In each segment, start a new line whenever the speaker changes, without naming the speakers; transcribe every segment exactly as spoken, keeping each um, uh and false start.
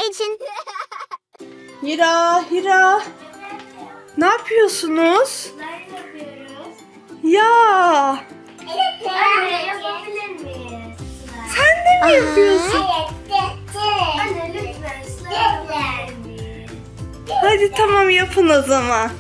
için.
Hira, Hira. Ne yapıyorsunuz?
Ne yapıyoruz?
Ya,
Anne yapabilir miyiz?
sen de mi yapıyorsun?
Anne lütfen slime yapabilir miyiz?
Hadi tamam, yapın o zaman.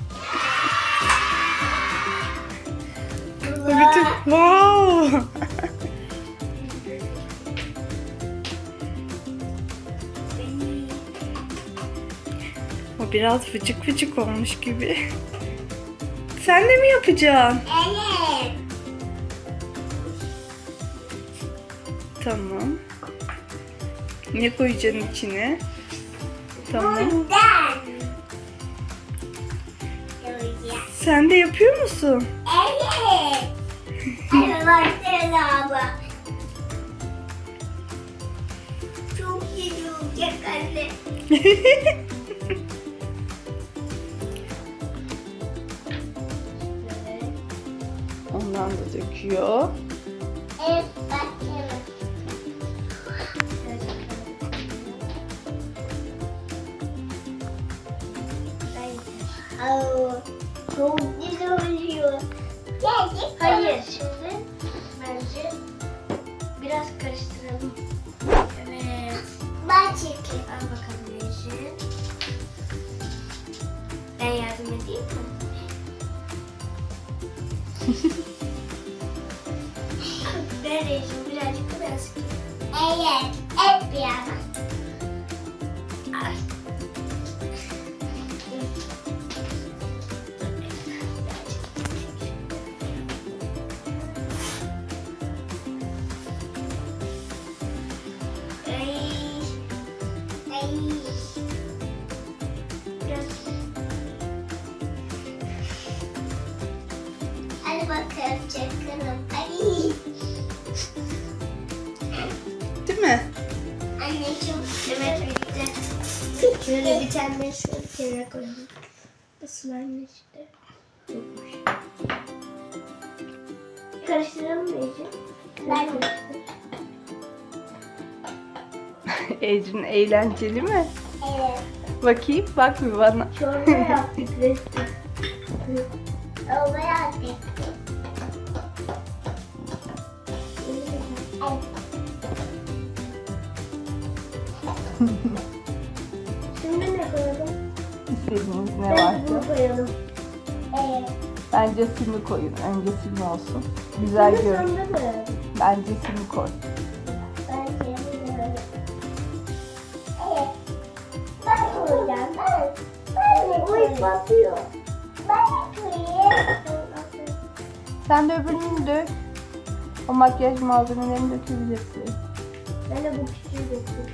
Bütün, wow. O biraz fıcık fıcık olmuş gibi. Sen de mi yapacaksın?
Evet.
Tamam. Ne koyacaksın içine? Tamam.
Bundan. Yapacağım.
Sen de yapıyor musun?
Evet. Evet baksana abla. Çok iyi olacak anne.
Ondan da döküyor.
Evet baksana. Aa, çok güzel oluyor. Gerçekten. Hayır, şimdi bence biraz karıştıralım. Evet. Ben çekeyim. Al bakalım Yeşil. Ben yardım edeyim mi? Ben Yeşil birazcık biraz. Evet, hep bir yana. Ay. Ay. Ay. Biraz. Hadi bakalım çakalım. Ay.
Değil mi?
Anne çok evet bitti. Şöyle bir tane şöyle kenara koyalım. Bu slime işte. Yokmuş. Karıştıralım mı Ece? Ben karıştır.
Ecrin eğlenceli mi?
Evet.
Bakayım, bak bir bana.
Çorba yaptık resmen. Çorba yaptık. Şimdi ne koyalım?
İstediğiniz ne
Ben
varsa.
bunu koyalım. Evet.
Bence simi koyun. Önce simi olsun. Güzel
Bunu
gör.
sonra mı?
Bence simi koy.
Ben seni böyle. Evet. Ben koyacağım. Ben. Ben koyayım. Batıyor. Ben koyayım.
Sen de öbürünü dök. O makyaj malzemelerini dökebilirsin.
Ben de bu küçüğü dökeyim.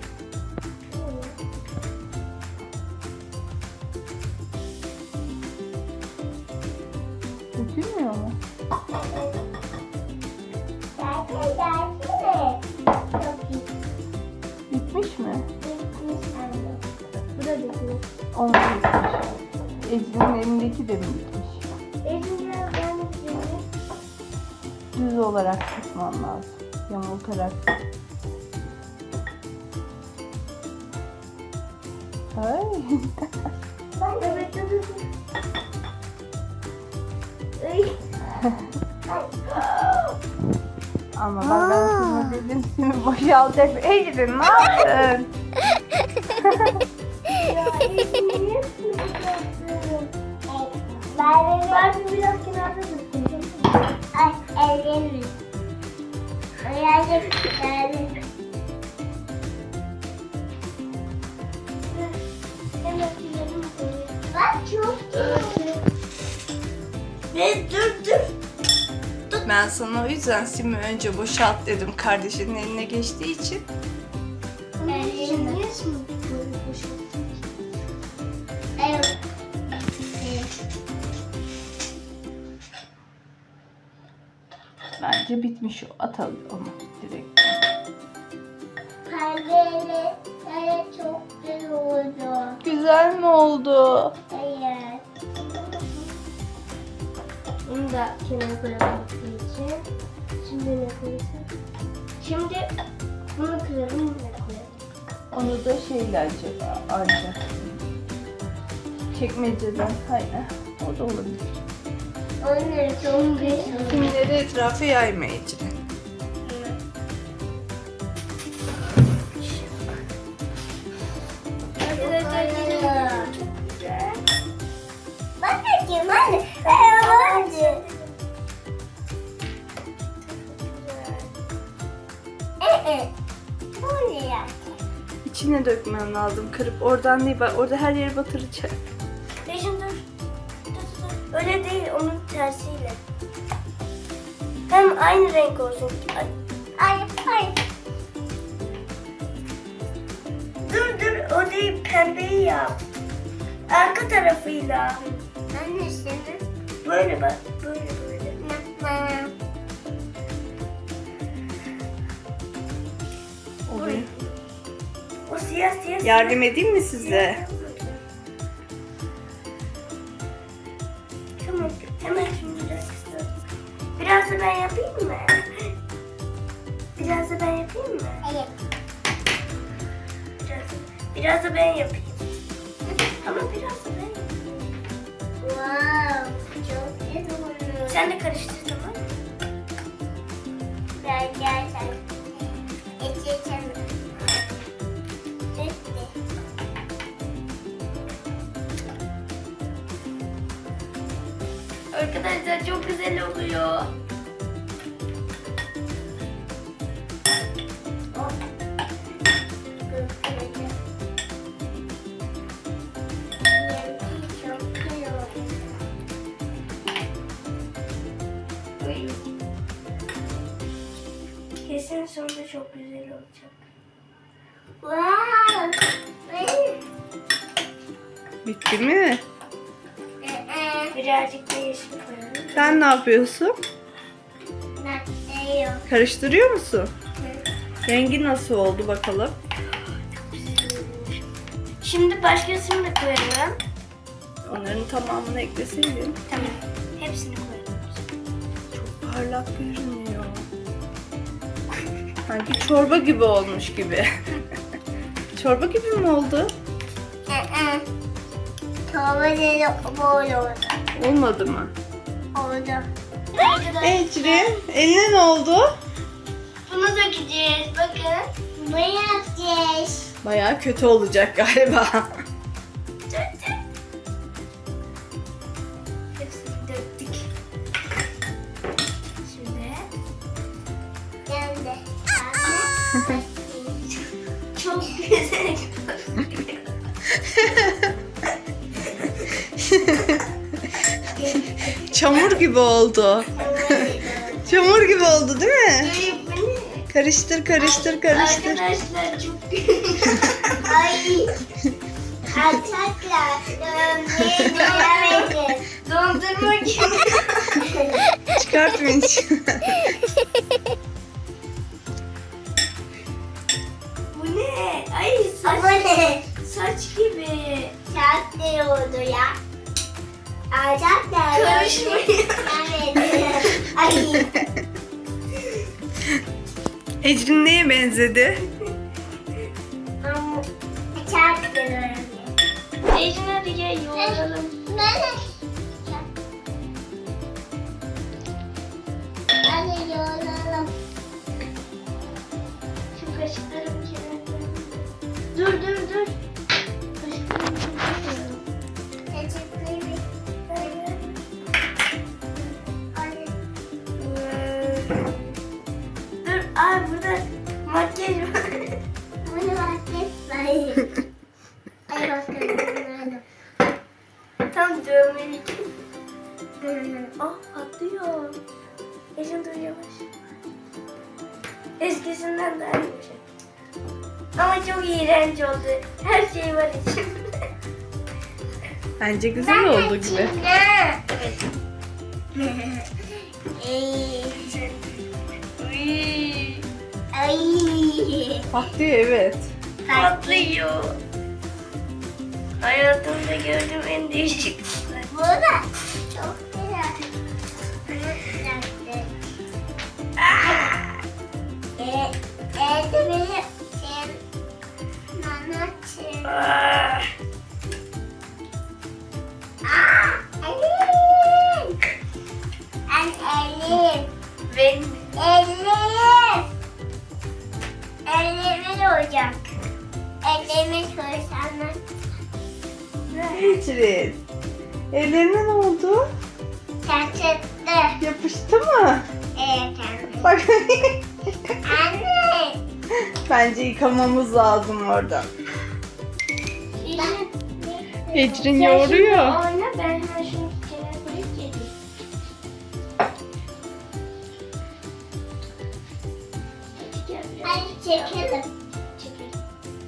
Dökülmüyor mu?
Gelsene gelsene. Çok iyi.
Bitmiş mi?
Bitmiş anne. Bu da bitmiş.
Onu da bitmiş. Ecrin'in elindeki de mi bitmiş?
Elim biraz ben bitmiş.
Düz olarak tutman lazım. Yamultarak. Ay.
Ben de bekledim. Ay.
Ama bak ben sana dedim simi boşalacak. Ecrin ne yaptın?
Ya elim niye sıkıyorsun? Ben ben biraz kenarda tutayım. Ay ellerim. Ayağım geldi. Bak çok iyi. Ne dur dur.
Ben sana o yüzden simi önce boşalt dedim. Kardeşinin eline geçtiği için.
Ellerim niye şimdi böyle boşalttın? Evet.
Bence bitmiş o. Atalım onu direkt.
Pembeli. Evet çok güzel oldu.
Güzel mi oldu?
Evet. Bunu da kenara koyalım için. Şimdi ne koyacağız? Şimdi bunu kıralım, bunu da koyalım.
Onu da şeyle acaba ancak. Çekmeceden. Hayır. O da olabilir.
Onları çok güzel.
Kimleri etrafa yayma Ecrin.
Bakayım anne. Hadi. Ee, bu ne ya?
İçine dökmem lazım. Kırıp oradan değil. Bak orada her yeri batıracak.
Ejin dur. Dur dur. Öyle değil, onun tersiyle. Hem aynı renk olsun. Ay. Ay, ay. Dur dur, o değil, pembeyi yap. Arka tarafıyla. Annesini. Böyle bak, böyle böyle.
Oluyor.
O siyah siyah.
Yardım edeyim mi size?
Tamam, hemen şimdi biraz kısa. Biraz da ben yapayım mı? Biraz da ben yapayım mı? Evet. Biraz, biraz da ben yapayım. Ama biraz da ben yapayım. Wow, çok güzel oluyor. Sen de karıştır, tamam mı? Gel gel sen. Geçeceğim. Arkadaşlar çok güzel oluyor. Kesin sonunda çok güzel olacak. Wow!
Bitti mi?
Birazcık da yeşil koyalım.
Sen ne yapıyorsun? Karıştırıyor musun? Rengi nasıl oldu bakalım?
Şimdi başkasını da koyalım.
Onların tamamını ekleseydin.
Tamam. Hepsini koyalım.
Çok parlak görünüyor. Sanki çorba gibi olmuş gibi. Çorba gibi mi oldu?
Çorba değil, böyle oldu.
Olmadı mı?
Oldu.
Ecrin, eline ne oldu?
Bunu dökeceğiz. Bakın. Bunu yapacağız.
Bayağı kötü olacak galiba.
Hepsini döktük. Şimdi. Geldi. Çok güzel.
Çamur gibi oldu. Çamur gibi oldu değil mi? Karıştır, karıştır, karıştır.
Arkadaşlar çok güzel. Ay. Arkadaşlar. Dondurma. Dondurma gibi.
Çıkart Vinç.
Bu ne? Ay saç. Bu ne? Saç gibi. Saç ne oldu ya? Ağacak da karışmıyor. Evet. Ay.
Ecrin neye benzedi?
Ama çok güzel. Ecrin hadi gel yoğuralım. Hadi yoğuralım. Şu kaşıklarımı kenara. Dur dur dur. Kaşıklarımı kenara. Kaşıklarımı. Dur, aa burada makyaj var. Burada makyaj var. Ay bakalım. Tam dövmelik. Ah patlıyor. Ecin dur yavaş. Eskisinden daha yumuşak. Ama çok iğrenç oldu. Her şey var içinde.
Bence güzel oldu gibi.
Evet. Ay.
Patlıyor evet.
Patlıyor. Hayatımda gördüğüm en değişik. Bu da çok güzel. Eee, evde benim olacak. Ellerimi koysana.
Ecrin. Ellerine ne oldu?
Çatırdı.
Yapıştı mı?
Evet anne.
Bak.
Anne.
Bence yıkamamız lazım orada. Ecrin yoğuruyor.
Oyna ben hemen şunu kenara koyup geleyim. Hadi çekelim. Çekelim.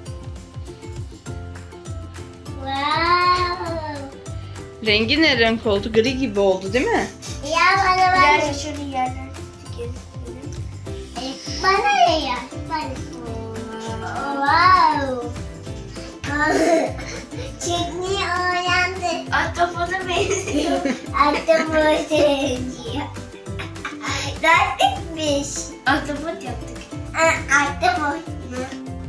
Wow.
Rengi ne renk oldu? Gri gibi oldu değil mi?
Ya bana bana. Biraz şöyle yerden çekelim. Bana ne ya? Bana. Wow. Çekmeyi öğrendi. Ahtapota benziyor. Ahtapota benziyor. Dertlikmiş. Ahtapot yaptık. Ahtapot mu?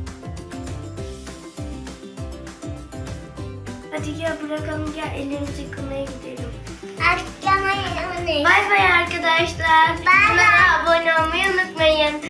Hadi gel bırakalım, gel ellerimizi yıkamaya gidelim. Hadi yıkamaya gidelim. Bay bay arkadaşlar. Bay bay. Abone olmayı unutmayın.